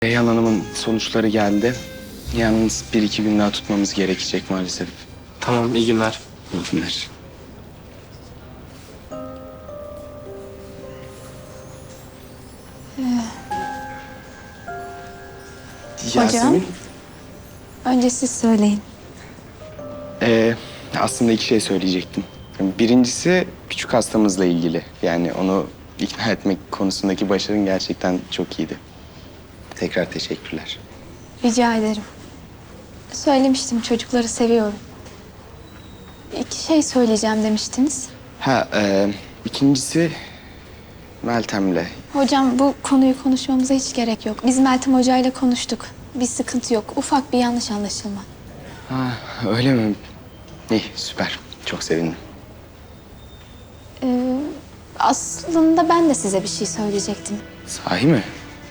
Reyhan Hanım'ın sonuçları geldi. Yalnız bir iki gün daha tutmamız gerekecek maalesef. Tamam, iyi günler. İyi günler. Yasemin, Önce siz söyleyin. aslında iki şey söyleyecektim. Birincisi küçük hastamızla ilgili. Yani onu ikna etmek konusundaki başarın gerçekten çok iyiydi. Tekrar teşekkürler. Rica ederim. Söylemiştim, çocukları seviyorum. İki şey söyleyeceğim demiştiniz. İkincisi Meltem'le. Hocam, bu konuyu konuşmamıza hiç gerek yok. Biz Meltem Hoca ile konuştuk. Bir sıkıntı yok. Ufak bir yanlış anlaşılma. Ha, öyle mi? İyi, süper. Çok sevindim. Aslında ben de size bir şey söyleyecektim. Sahi mi?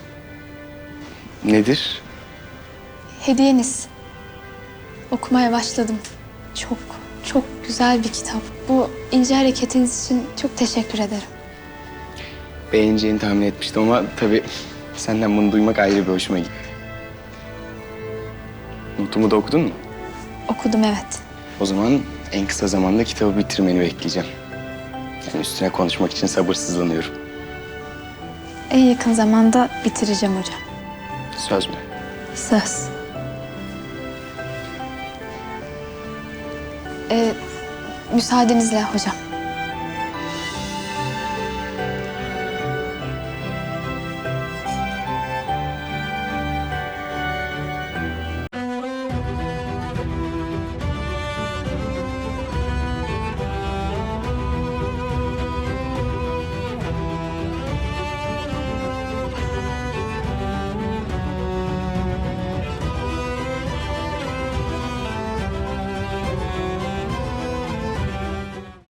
Nedir? Hediyeniz. Okumaya başladım. Çok, çok güzel bir kitap. Bu ince hareketiniz için çok teşekkür ederim. Beğeneceğini tahmin etmiştim ama tabii senden bunu duymak ayrı bir hoşuma gitti. Notumu da okudun mu? Okudum, evet. O zaman en kısa zamanda kitabı bitirmeni bekleyeceğim. Yani üstüne konuşmak için sabırsızlanıyorum. En yakın zamanda bitireceğim hocam. Söz mü? Söz. Müsaadenizle hocam.